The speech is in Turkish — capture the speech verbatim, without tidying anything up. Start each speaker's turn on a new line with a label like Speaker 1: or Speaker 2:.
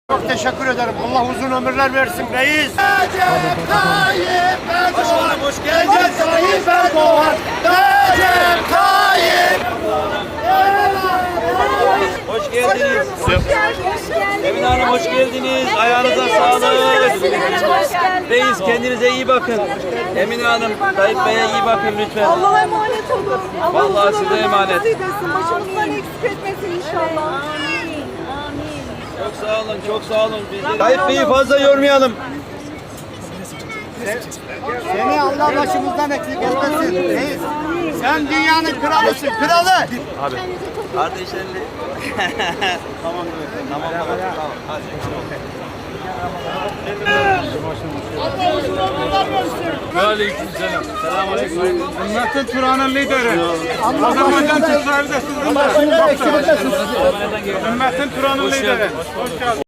Speaker 1: Çok teşekkür ederim. Allah uzun ömürler versin reis.
Speaker 2: Recep Tayyip Erdoğan.
Speaker 1: Hoş geldin.
Speaker 2: Recep Tayyip Erdoğan. Recep Tayyip.
Speaker 3: Hoş geldiniz.
Speaker 4: Hoş geldiniz.
Speaker 3: Emine Hanım hoş geldiniz. Ayağınıza sağlık.
Speaker 4: Hoş geldiniz.
Speaker 3: Reis kendinize iyi bakın. Emine Hanım, Tayyip Bey'e iyi bakın lütfen.
Speaker 4: Allah'a emanet olun. Allah
Speaker 3: Vallahi
Speaker 4: uzun
Speaker 3: size
Speaker 4: ömürler
Speaker 3: emanet.
Speaker 4: nasip etsin. Başımızdan eksik etmesin inşallah. Amin. Amin.
Speaker 3: Çok sağ olun, çok sağ olun. Bizi... Tayyip Bey'i fazla yormayalım.
Speaker 1: Seni Allah başımızdan eksik etmesin reis. Sen dünyanın kralısın, kralı.
Speaker 3: Kardeşlerle. Tamam, tamam, tamam. Tamam. Hadi.
Speaker 5: Aleykümselam. Selamünaleyküm. Ümmetin Turan'ın lideri. Azerbaycan Türkleri de sizin. Ümmetin Turan'ın lideri. Hoş geldin.